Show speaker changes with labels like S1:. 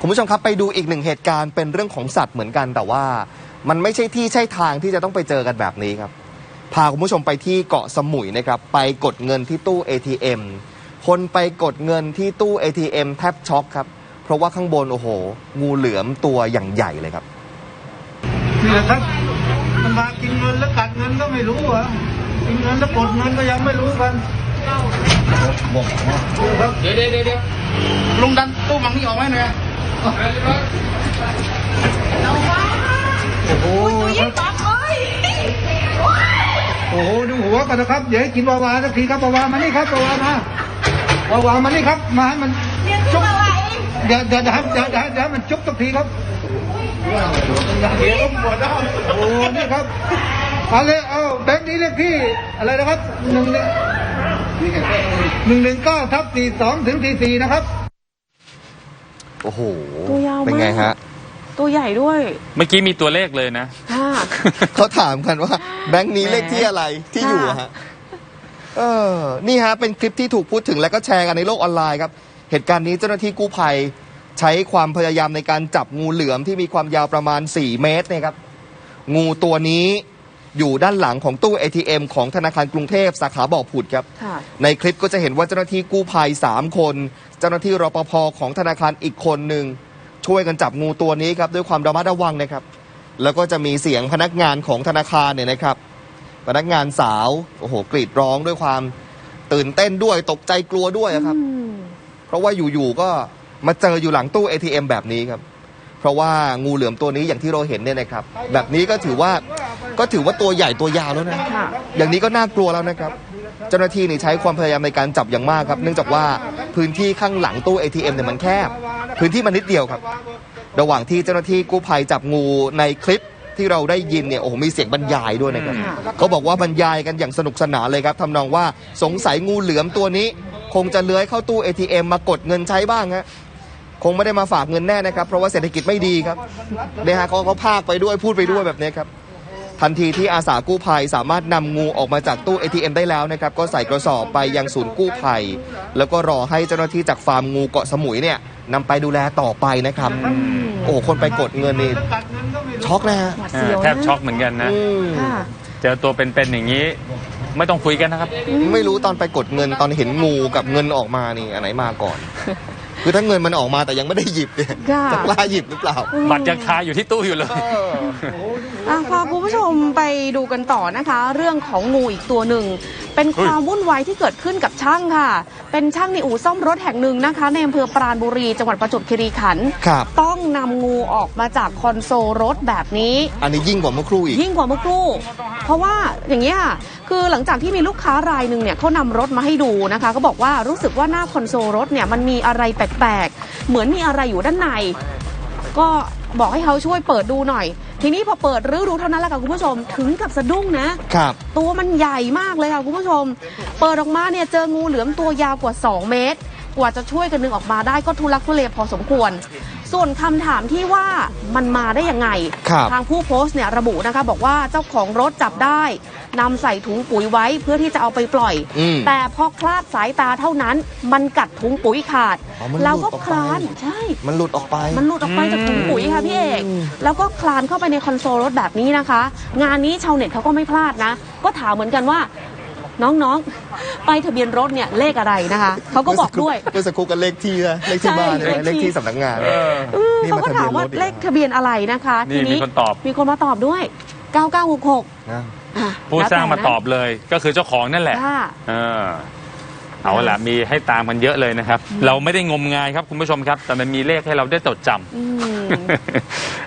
S1: คุณผู้ชมครับไปดูอีกหนึ่งเหตุการณ์เป็นเรื่องของสัตว์เหมือนกันแต่ว่ามันไม่ใช่ที่ใช่ทางที่จะต้องไปเจอกันแบบนี้ครับพาคุณผู้ชมไปที่เกาะสมุยนะครับไปกดเงินที่ตู้ ATM คนไปกดเงินที่ตู้ ATM แทบช็อกครับเพราะว่าข้างบนโอ้โหงูเหลือมตัวอย่างใหญ่เลยครับ
S2: นี่แหละครับมันมากินเงินแล้วกัดเงินก็ไม่รู้เหรอกินเงินแล้วกดเงินก็ยังไม่รู้กันบอกครับเดี๋ยวลุงดันตู้มังนี่ออกไหมเนี่ยโอ้โหโอ้โหดูหัวกันนะครับอย่าให้กินวาวาสักทีครับวาวามานี่ครับวาวามามานี่ครับมาให้มันจุ๊บอย่ามันจุ๊บสักทีครับโอ้นี่ครับเอาแบงค์นี้เลขที่อะไรนะครับ119/42 ถึง 44นะครับ
S1: โอ้โห
S3: ตัวยาวมาก
S1: เป็นไงฮะ
S3: ตัวใหญ่ด้วย
S4: เมื่อกี้มีตัวเลขเลยนะ
S1: เขาถามกันว่าแบงค์นี้เลขที่อะไรที่อยู่ฮะนี่ฮะเป็นคลิปที่ถูกพูดถึงและก็แชร์กันในโลกออนไลน์ครับเหตุการณ์นี้เจ้าหน้าที่กู้ภัยใช้ความพยายามในการจับงูเหลือมที่มีความยาวประมาณ4 เมตรนะครับงูตัวนี้อยู่ด้านหลังของตู้ ATM ของธนาคารกรุงเทพสาขาบ่อผุดครับในคลิปก็จะเห็นว่าเจ้าหน้าที่กู้ภัย3 คนเจ้าหน้าที่รปภของธนาคารอีกคนหนึ่งช่วยกันจับงูตัวนี้ครับด้วยความระมัดระวังนะครับแล้วก็จะมีเสียงพนักงานของธนาคารเนี่ยนะครับพนักงานสาวโอ้โหกรีดร้องด้วยความตื่นเต้นด้วยตกใจกลัวด้วยครับเพราะว่าอยู่ๆก็มาเจออยู่หลังตู้ ATM แบบนี้ครับเพราะว่างูเหลือมตัวนี้อย่างที่เราเห็นเนี่ยนะครับแบบนี้ก็ถือว่าตัวใหญ่ตัวยาวแล้วนะอย่างนี้ก็น่ากลัวแล้วนะครับเจ้าหน้าที่นี่ใช้ความพยายามในการจับอย่างมากครับเนื่องจากว่าพื้นที่ข้างหลังตู้ ATM เนี่ยมันแคบพื้นที่มันนิดเดียวครับระหว่างที่เจ้าหน้าที่กู้ภัยจับงูในคลิปที่เราได้ยินเนี่ยโอ้โหมีเสียงบรรยายด้วยนะครับเขาบอกว่าบรรยายกันอย่างสนุกสนานเลยครับทำนองว่าสงสัยงูเหลือมตัวนี้คงจะเลื้อยเข้าตู้ ATM มากดเงินใช้บ้างฮะคงไม่ได้มาฝากเงินแน่นะครับเพราะว่าเศรษฐกิจไม่ดีครับเนี่ยฮะเขาพากไปด้วยพูดไปด้วยแบบนี้ครับทันทีที่อาสากู้ภัยสามารถนำงูออกมาจากตู้ ATM ได้แล้วนะครับก็ใส่กระสอบไปยังศูนย์กู้ภัยแล้วก็รอให้เจ้าหน้าที่จากฟาร์มงูเกาะสมุยเนี่ยนำไปดูแลต่อไปนะครับโอ้คนไปกดเงินนี่ช็อกนะฮะ
S4: แทบช็อกเหมือนกันนะเจอตัวเป็นๆอย่างนี้ไม่ต้องคุยกันนะครับ
S1: ไม่รู้ตอนไปกดเงินตอนเห็นงูกับเงินออกมานี่อันไหนมาก่อนคือถ้าเงินมันออกมาแต่ยังไม่ได้หยิบเนี่ยจะกล้าหยิบหรือเปล่า
S4: บัตรยังคาอยู่ที่ตู้อยู่เลย
S3: พาคุณผู้ชมไปดูกันต่อนะคะเรื่องของงูอีกตัวหนึ่งเป็นความวุ่นวายที่เกิดขึ้นกับช่างค่ะเป็นช่างในอู่ซ่อมรถแห่งหนึ่งนะคะในอำเภอปราณบุรีจังหวัดประจวบคีรีขันธ์ต้องนำงูออกมาจากคอนโซลรถแบบนี้
S1: อันนี้ยิ่งกว่าเมื่อครู่อีก
S3: ยิ่งกว่าเมื่อครู่เพราะว่าอย่างนี้ค่ะคือหลังจากที่มีลูกค้ารายหนึ่งเนี่ยเขานำรถมาให้ดูนะคะเขาบอกว่ารู้สึกว่าหน้าคอนโซลรถเนี่ยมันมีอะไรแปลกๆเหมือนมีอะไรอยู่ด้านในก็บอกให้เขาช่วยเปิดดูหน่อยทีนี้พอเปิดรื้อดูเท่านั้นแหละค่ะคุณผู้ชมถึงกับสะดุ้งนะครับตัวมันใหญ่มากเลยค่ะคุณผู้ชมเปิดออกมาเนี่ยเจองูเหลือมตัวยาวกว่า2 เมตรกว่าจะช่วยกันดึงออกมาได้ก็ทุลักทุเลพอสมควรส่วนคำถามที่ว่ามันมาได้ยังไงทางผู้โพสต์เนี่ยระบุนะคะบอกว่าเจ้าของรถจับได้นำใส่ถุงปุ๋ยไว้เพื่อที่จะเอาไปปล่อยแต่พอคลาดสายตาเท่านั้นมันกัดถุงปุ๋ยขาดแล้วก็คลานใช่
S1: มันหลุดออกไป
S3: จากถุงปุ๋ยค่ะพี่เอกแล้วก็คลานเข้าไปในคอนโซลรถแบบนี้นะคะงานนี้ชาวเน็ตเขาก็ไม่พลาดนะก็ถามเหมือนกันว่าน้องๆไปทะเบียนรถเนี่ยเลขอะไรนะคะเขาก็บอกด้วย
S1: เมื่อสักครู่กันเลขที่บ้านเลขที่สำนักงาน
S3: เขาก็ถามว่าเลขทะเบียนอะไรนะคะทีนี้มีคนมาตอบด้วย9966
S4: ผู้สร้างมาตอบเลยก็คือเจ้าของนั่นแหละเอาล่ะมีให้ตามกันเยอะเลยนะครับเราไม่ได้งมงายครับคุณผู้ชมครับแต่มันมีเลขให้เราได้จดจำ